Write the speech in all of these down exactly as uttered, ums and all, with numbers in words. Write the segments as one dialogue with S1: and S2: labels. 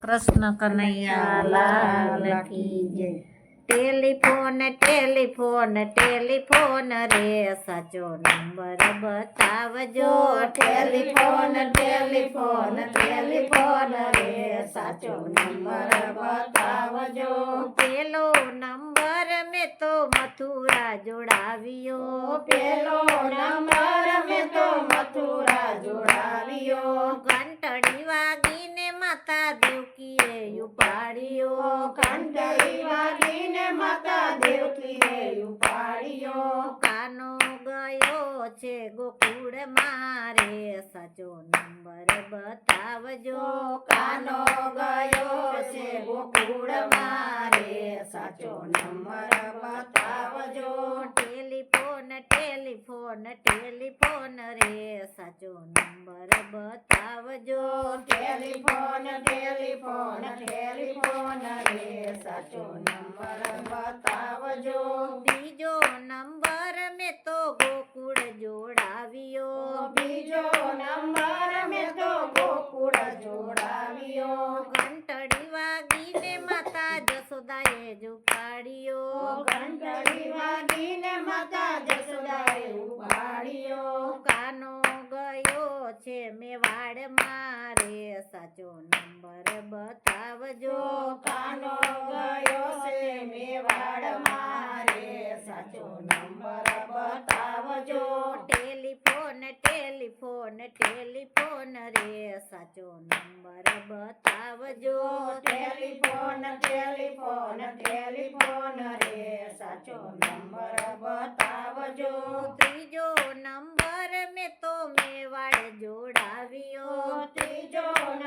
S1: कृष्ण कन्हैया लाल की जय। Telephone telephone telephone रे साचो नंबर बतावजो।
S2: टेलीफोन टेलीफोन टेलीफोन रे साचो नंबर बतावजो।
S1: पेलो नंबर में तो मथुरा जोड़ावियो।
S2: पेलो नंबर में तो मथुरा जोड़ावियो।
S1: घंटड़ी वागीने माता देवकीए उपाड़ियो।
S2: घंटड़ी वागीने माता देवकीए उपाड़ियो।
S1: कानो गयो छे गोकुळ मारे साचो नंबर बतावजो।
S2: कानो गयो छे गोकुळ मारे साचो नंबर बतावजो।
S1: टेलीफोन टेलीफोन टेलीफोन रे साचो नंबर बतावजो।
S2: टेलीफोन टेलीफोन टेलीफोन रे साचो नंबर बतावजो।
S1: बीजो नंबर में तो गोकुळ जोड़ावियो।
S2: बीजो नंबर में तो गोकुळ जोड़ावियो।
S1: घंटड़ी वागीने माता जसोदाए जुपाड़ियो।
S2: घंटड़ी वागीने माता जसोदाए उपाड़ियो।
S1: कानो गयो छे मेवाड़ मारे साचो नंबर बतावजो।
S2: कानो गयो छे मेवाड़ मारे साचो नंबर बतावजो।
S1: टेलीफोन टेलीफोन टेलीफोन रे साचो नंबर बतावजो।
S2: टेलीफोन टेलीफोन टेलीफोन रे साचो नंबर बतावजो।
S1: त्रीजो नंबर में तो मेवाड़ जोड़ावियो।
S2: त्रीजो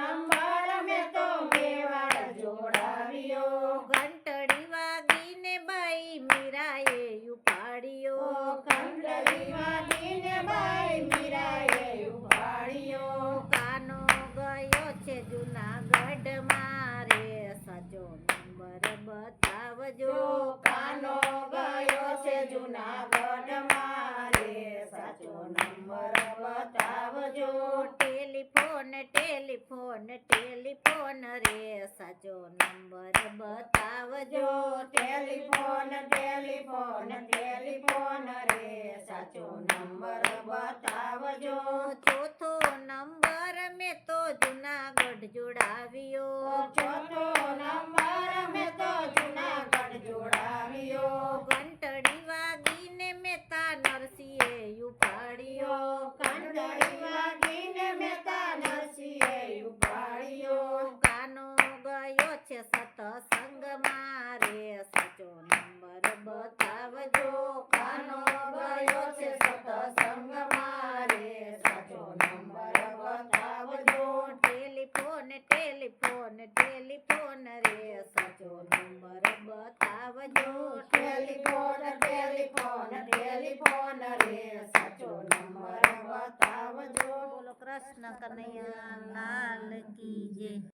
S2: नंबर में तो मेवाड़ जोड़ावियो।
S1: घंटड़ी वागीने बाई मीराए उपाड़ियो।
S2: घंटड़ी वागीने बाई मीराए उपाड़ियो।
S1: कानो गयो छे जूनागढ़ मारे साचो नंबर बतावजो।
S2: कानो गयो छे जूनागढ़ मारे साचो नंबर बतावजो।
S1: टेलीफोन टेलीफोन टेलीफोन रे साचो नंबर बतावजो।
S2: टेलीफोन टेलीफोन टेलीफोन रे साचो नंबर बतावजो।
S1: चौथो नंबर में तो जूनागढ़ जोड़ावियो।
S2: चौथो नंबर में तो जूनागढ़ जोड़ावियो।
S1: घंटड़ी वागीने मेता नरसिंहे उपाड़ियो।
S2: घंटड़ी वागीने मेता नरसिंहे उपाड़ियो।
S1: कानो गयो छे सतसंग मारे साचो नंबर बतावजो।
S2: कानो गयो छे सतसंग मारे साचो नंबर बतावजो।
S1: टेलीफोन टेलीफोन टेलीफोन रे साचो नंबर बतावजो।
S2: टेलीफोन टेलीफोन टेलीफोन रे साचो नंबर बतावजो।
S1: बोलो कृष्ण कन्हैया लाल की जय।